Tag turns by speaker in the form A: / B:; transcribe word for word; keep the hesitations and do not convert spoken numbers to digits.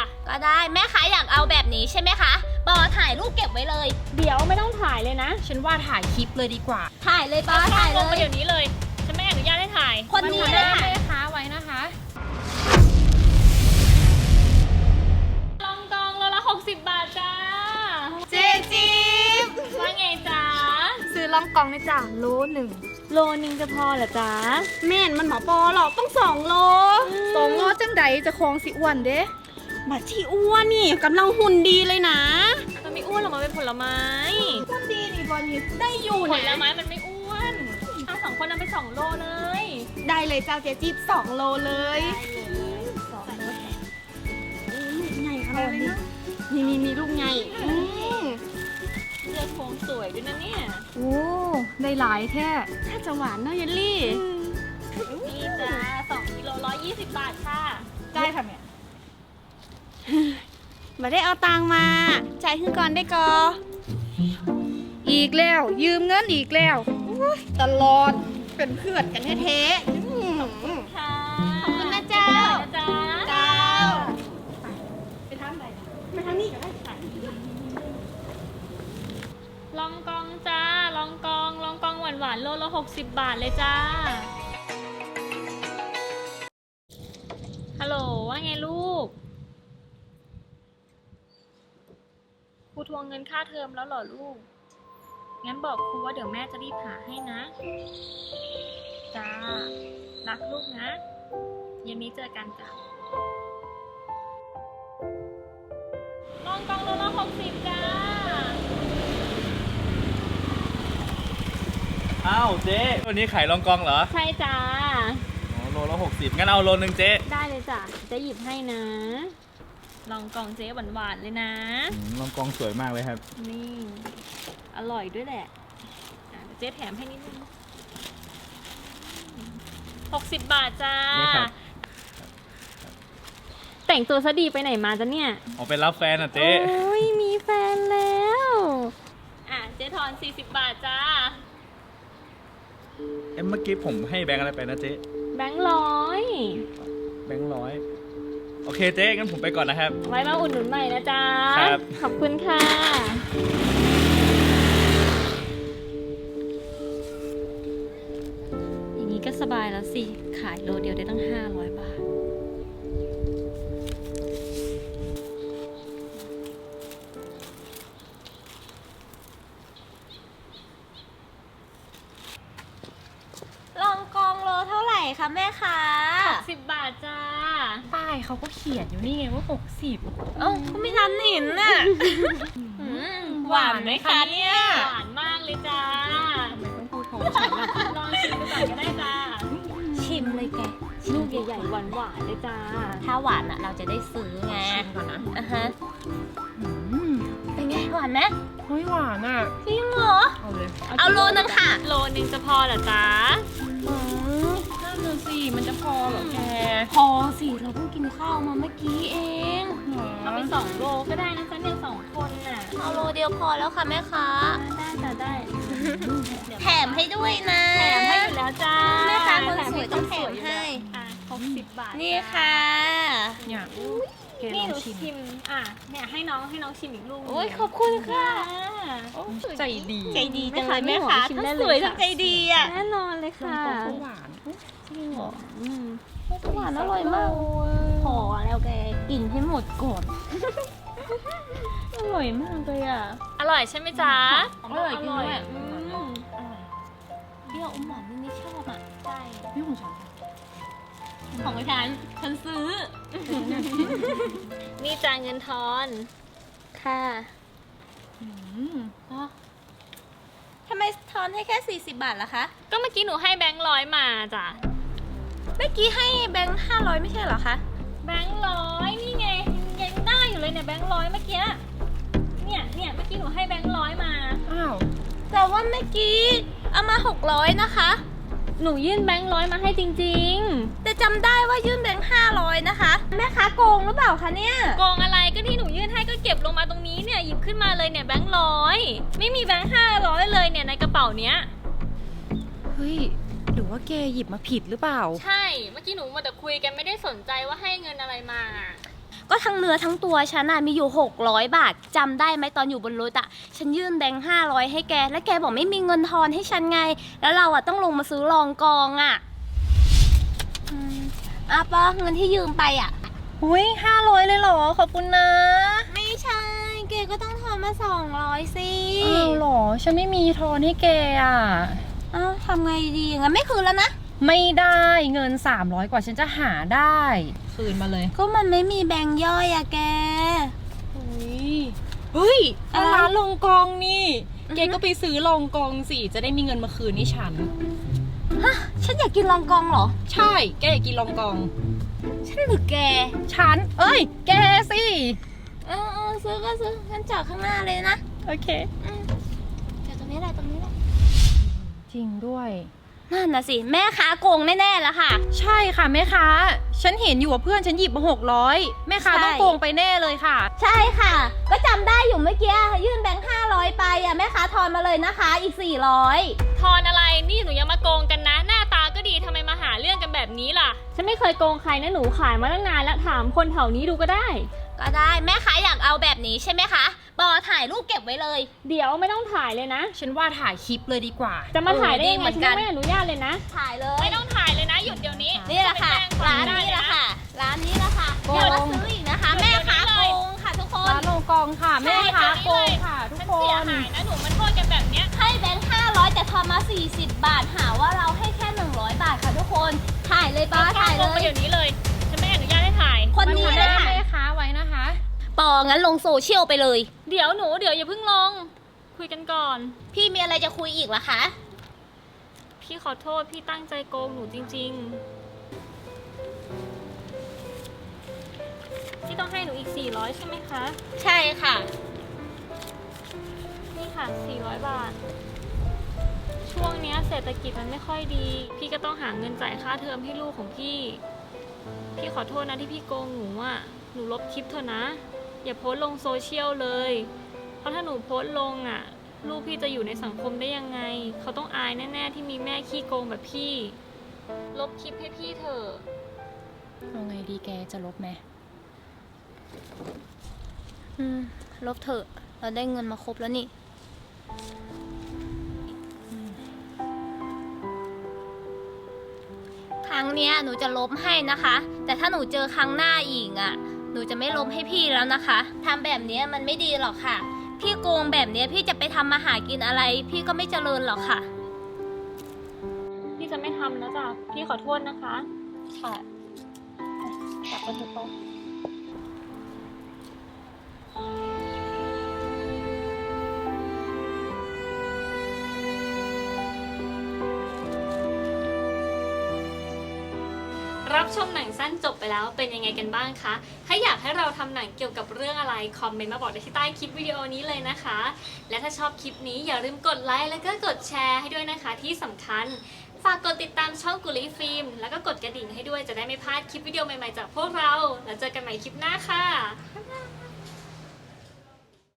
A: จ้ะ
B: ก็ได้แม่ค้าอยากเอาแบบนี้ใช่ไหมคะปอถ่ายรูปเก็บไว้เลย
A: เดี๋ยวไม่ต้องถ่ายเลยนะ
C: ฉันว่าถ่ายคลิปเลยดีกว่า
B: ถ่ายเลยปอถ่ายเล
A: ลงมาย เดี๋ยวนี้เลยฉันไม่อนุญาตให้ถ่าย
B: คนนี้เลยค่ะ
C: แม่ค้าไว้นะคะ
A: ลองกองโลละหกสิบบาทจ้า
C: เจจิ๊บ
A: ว่าไงจ๊ะ
C: ซื้อล่องกองนะจ้ะโลหนึ่ง
A: โลนึงจะพอเหรอจ๊ะ
C: แม่นมันหมอปอหรอกต้องสองโลสองโลจังใดจะคลองสิอ้วนเด้บัดที่อ้วนนี่กำลังหุ่นดีเลยนะ
A: มันไม่อ้วนหรอกมันเป็นผลไม้
C: หุ่นดีนี่บอนี่ได้อยู่
A: ผ
C: นะ
A: ลไม้มันไม่อ้วนทั้งสองคนนำไปสองโลเลย
C: ได้เลยจ้าเจจิ๊บสองโลเลย
A: สองโล
C: ลูกใหญ่ขนาดนี้เนาะนี่นี่นี่ลูกใหญ่อืม
A: เลือกโครงสวยด้วยนะเนี่ย
C: โอ้ได้หลายแท้ถ้าจะหวานเนาะเยลลี่
A: นี่จ้าสองกิโลร้อยยี่สิบบาทค่ะ
C: ได้ค่ะแม่มาได้เอาตังมาจ่ายขึ้นก่อนได้กออีกแล้วยืมเงินอีกแล้วอุ๊ยตลอดเป็นเพื่อนกันแท้ๆอืม
A: ค่ะ
C: ขอบคุณนะเจ้า
A: นะจ๊ะ
C: เจ้าไปทำอะไรไปทำนี่ก็ได้ค่ะ
A: ลองกองจ้าลองกองลองกองหวานหวานๆโลละหกสิบบาทเลยจ้าฮัลโหลว่าไงลูกครูทวงเงินค่าเทอมแล้วเหรอลูกงั้นบอกครูว่าเดี๋ยวแม่จะรีบหาให้นะจ้ารักลูกนะเย็นนี้เจอกันจ้าลองกองโลละหกสิบจ้า
D: อ้าวเจ๊วันนี้ขายรองกองเหรอ
A: ใช่จ้า
D: อ๋อโลละหกสิบงั้นเอาโลนึงเจ๊
A: ได้เลยจ้ะจะหยิบให้นะ ลองกองเจ๊หวานๆเลยนะ
D: อืมรองกองสวยมากเลยครับ
A: นี่ อร่อยด้วยแหละอ่ะเดี๋ยวเจ๊แถมให้นิดนึงหกสิบบาทจ้า
D: นี่ครับ
A: แต่งตัวซะดีไปไหนมาจ้ะเนี่ย
D: ออกไปรับแฟนอ่ะเจ๊
A: โอ้ยมีแฟนแล้ว อ่ะเจ๊ทอนสี่สิบบาทจ้า
D: เอ็มเมื่อกี้ผมให้แบงค์อะไรไปนะเจ๊
A: แบงค์ร้อย
D: แบงค์ร้อยโอเคเจ๊งั้นผมไปก่อนนะครับ
A: ไว้มาอุดหนุนใหม่นะจ๊ะ
D: ครับ
A: ขอบคุณค่ะ อย่างนี้ก็สบายแล้วสิ ขายโลเดียวได้ตั้งห้าร้อยบาท
B: ลองกองโลเท่าไหร่คะแม่ค้า
A: สิบบาทจ้า
C: ป้ายเขาก็เขียนอยู่นี่ไงว่าหกสิบ
B: เอ้าก็ไม่ทันเห็นน่ะหวานไหมคะเนี่ย
A: หวานมากเลยจ้า
C: ทำไมต้องพูดของฉันล่ะ
A: ลองชิมดูก่อนก็ได้จ้า
B: ชิมเลยแก
A: ลูกใหญ่ๆหวานๆเลยจ้า
B: ถ้าหวานอ่ะเราจะได้ซื้อไง
C: ชิมก่อนนะ
B: อ่ะฮะ
C: อืม
B: เป็นไงหวานไหม
C: เฮ้ยหวานอ่ะ
B: จริงเหรอ
C: เอาเลย
B: เอาโลนึงค่ะ
A: โลนึงจะพอเหรอจ๊ะ
C: อืมนั่นน่ะสิมันจะพอเหรอแก
B: พอสิเราเพิ่งกินข้าวมาเมื่อกี้เอง
A: เอาไปสองโลก็ได้นะจ๊ะเนี่ยสองคนน่ะ
B: เอาโลเดียวพอแล้วค่ะแม่ค้า
A: ได้จ้ะได้
B: แถมให้ด้วยนะ
A: แถมให้อยู่แล้วจ้า
B: แม่ค้าคนสวยต้องแถมให้
A: อ่ะหกสิบบาท
B: นี่ค่ะ
C: เนี่ยแกล
A: นี่
C: อ
A: ห
C: ง
A: นู
C: ชิม
A: ชิม อ่ะ เนี่ยให้น้องให้น้องชิมอีกลูก
B: โอ้ยขอบคุณค่ะ
C: ใจดี
B: ใจดีจังเลยแม่ค้าทั้งสวยทั้งใจดีอ่ะ
A: แน่นอนเลย
C: ลอง
A: ค่ะ
C: กองก็หวาน
B: จริงเหรอ
A: อืม
B: หวานอร่อยมาก พอแล้วแกกินให้หมดก่อน อร่อยมากเลยอ่ะ
A: อร่อยใช่ไหมจ๊ะ
B: อร่อยจริงด้วย
A: อืม
B: เปรี้ยวอมหวานนี่ชอบอ่ะ ใช่
C: นี่ของฉัน
B: ของฉัน ฉันซื้อ
A: นี่จ่ายเงินทอน ค่ะ
C: อืม
B: ทำไมทอนให้แค่สี่สิบบาทล่ะคะ
A: ก็เมื่อกี้หนูให้แบงค์ร้อยมาจ้ะ
B: เมื่อกี้ให้แบงค์ห้าร้อยไม่ใช่เหรอคะ
A: แบงค์ร้อยนี่ไงยังได้อยู่เลยเนี่ยแบงค์ร้อยเมื่อกี้ เนี่ยเนี่ยเมื่อกี้หนูให้แบงค์ร้อยมา
C: อ้าว
B: แต่ว่าเมื่อกี้เอามาหกร้อยนะคะ
A: หนูยื่นแบงค์ร้อยมาให้จริง
B: แต่จำได้ว่ายื่นแบงค์ห้าร้อยนะคะ แม่ค้าโกงหรือเปล่าคะเนี่ย
A: ๆ โกงอะไรก็ที่หนูยื่นให้ก็เก็บลงมาตรงนี้เนี่ยหยิบขึ้นมาเลยเนี่ยแบงค์ร้อยไม่มีแบงค์ห้าร้อยเลยเนี่ยในกระเป๋าเนี้ย
C: เฮ้ยหรือว่าแกหยิบมาผิดหรือเปล่า
A: ใช่เมื่อกี้หนูมาแต่คุยกันไม่ได้สนใจว่าให้เงินอะไรมา
B: ก็ทั้งเนื้อทั้งตัวฉันน่ะมีอยู่หกร้อยบาทจำได้ไหมตอนอยู่บนรถอะฉันยื่นแบงค์ห้าร้อยให้แกแล้วแกบอกไม่มีเงินทอนให้ฉันไงแล้วเราอะต้องลงมาซื้อรองกองอะอืมอ่ะปอเงินที่ยืมไปอะ
A: อุ้ยห้าร้อยเลยเหรอ ขอบคุณนะ
B: ไม่ใช่แกก็ต้องทอนมาสองร้อยสิ
A: อ้าวเหรอ ฉันไม่มีทอนให้แกอ่ะ
B: เอ้าทำไงดีงั้นไม่คืนแล้วนะ
A: ไม่ได้เงินสามร้อยกว่าฉันจะหาได้ คืนมาเลย
B: ก็มันไม่มีแบงค์ย่อยอะแก
A: เฮ้ย
B: อะไร
A: ร้านลงกองนี่
B: อือฮึ
A: แกก็ไปซื้อลงกองสิ จะได้มีเงินมาคืนให้ฉัน
B: ฮะฉันอยากกินรองกองเหรอ
A: ใช่ แกอยากกินลงกอง
B: ฉันหรือแก
A: ฉัน เอ้ย แกสิ
B: เออเออซื้อก็ซื้องั้นจอดข้างหน้าเลยนะ
A: โอเค
B: อืมจอดตรงนี้แหละตรงนี้แหละ
A: จริงด้วย
B: นั่นนะสิแม่ค้าโกงแน่ๆแล้วค่ะ
A: ใช่ค่ะแม่ค้า ฉันเห็นอยู่ว่าเพื่อนฉันหยิบมาหกร้อยแม่ค้า
B: ใช่
A: ต้องโกงไปแน่เลยค่ะ
B: ใช่ค่ะ ก็จำได้อยู่เมื่อกี้ยื่นแบงค์ห้าร้อยไปอะแม่ค้าทอนมาเลยนะคะอีกสี่ร้อย
E: ทอนอะไร นี่หนูยังมาโกงกันนะ หน้าตาก็ดีทำไมมาหาเรื่องกันแบบนี้ล่ะ
A: ฉันไม่เคยโกงใครนะหนูขายมาตั้งนานแล้วถามคนแถวนี้ดูก็ได้
B: ก็ได้แม่ค้าอยากเอาแบบนี้ใช่ไหมคะปอถ่ายรูปเก็บไว้เลย
A: เดี๋ยวไม่ต้องถ่ายเลยนะ ฉันว่าถ่ายคลิปเลยดีกว่า จะมาถ่ายได้ยังไงฉันยังไม่อนุญาตเลยนะ
B: ถ่ายเลย
E: ไม่ต้องถ่ายเลยนะ หยุดเดี๋ยวนี้
B: นี่แหละค่ะ
E: จไป
B: ร้าน
E: แจ้ง
B: นี้
E: ควม
B: แหละ
E: ได้
B: ค่ะ ร้านนี้แหละค่ะ
A: โกง
B: อย่ามาซื้ออีกนะคะ แม่ค้าโกงค่ะทุกคน
A: ร้านลงกองค่ะแม่ค้าโกงค่ะทุก
E: ฉัน
A: ค
E: เสีย
A: น
E: หายนะหนูมันโทษกันแบบเนี้ย
B: ให้แบงค์ห้าร้อยแต่ทอนมาสี่สิบบาทหาว่าเราให้แค่หนึ่งร้อยบาทค่ะทุกคน ถ่ายเลยป้าถ่ายเล
E: ลงมาย เดี๋ยวนี้เลย ฉันไม่อนุญาตให้ถ่าย
B: คนนี้
A: มา
B: เลย
A: ทำห
B: ค่ะ
A: น้าแม่ค้าไว้นะคะ
B: ปองั้นลงโซเชียลไปเลย
E: เดี๋ยวหนูเดี๋ยวอย่าเพิ่งลง คุยกันก่อน
B: พี่มีอะไรจะคุยอีกเหรอคะ
E: พี่ขอโทษพี่ตั้งใจโกงหนูจริง ๆ พี่ต้องให้หนูอีกสี่ร้อยใช่ไหมคะ
B: ใช่ค่ะ
E: นี่ค่ะสี่ร้อยบาท ช่วงเนี้ยเศรษฐกิจมันไม่ค่อยดี พี่ก็ต้องหาเงินจ่ายค่าเทอมให้ลูกของพี่ พี่ขอโทษนะที่พี่โกงหนูอ่ะ หนูลบคลิปเถอะนะ อย่าโพสต์ลงโซเชียลเลย เพราะถ้าหนูโพสต์ลงอ่ะ ลูกพี่จะอยู่ในสังคมได้ยังไง เขาต้องอายแน่ๆที่มีแม่ขี้โกงแบบพี่ ลบคลิปให้พี่เถอะ
A: เอาไงดีแกจะลบไหม
B: อืม ลบเถอะ เราได้เงินมาครบแล้วนี่ ครั้งเนี้ยหนูจะลบให้นะคะ แต่ถ้าหนูเจอครั้งหน้าอีกอ่ะ หนูจะไม่ลบให้พี่แล้วนะคะทำแบบเนี้ยมันไม่ดีหรอกค่ะ พี่โกงแบบเนี้ยพี่จะไปทำมาหากินอะไร พี่ก็ไม่เจริญหรอกค่ะ
E: พี่จะไม่ทำแล้วจ้ะ พี่ขอโทษนะคะ
B: ค่ะกลับไปเถอะปอ
E: รับชมหนังสั้นจบไปแล้วเป็นยังไงกันบ้างคะ ถ้าอยากให้เราทำหนังเกี่ยวกับเรื่องอะไรคอมเมนต์มาบอกได้ที่ใต้คลิปวิดีโอนี้เลยนะคะ และถ้าชอบคลิปนี้อย่าลืมกดไลค์แล้วก็กดแชร์ให้ด้วยนะคะที่สำคัญ ฝากกดติดตามช่องกุลีฟิล์มแล้วก็กดกระดิ่งให้ด้วยจะได้ไม่พลาดคลิปวิดีโอใหม่ๆจากพวกเรา แล้วเจอกันใหม่คลิปหน้าค่ะบ๊ายบาย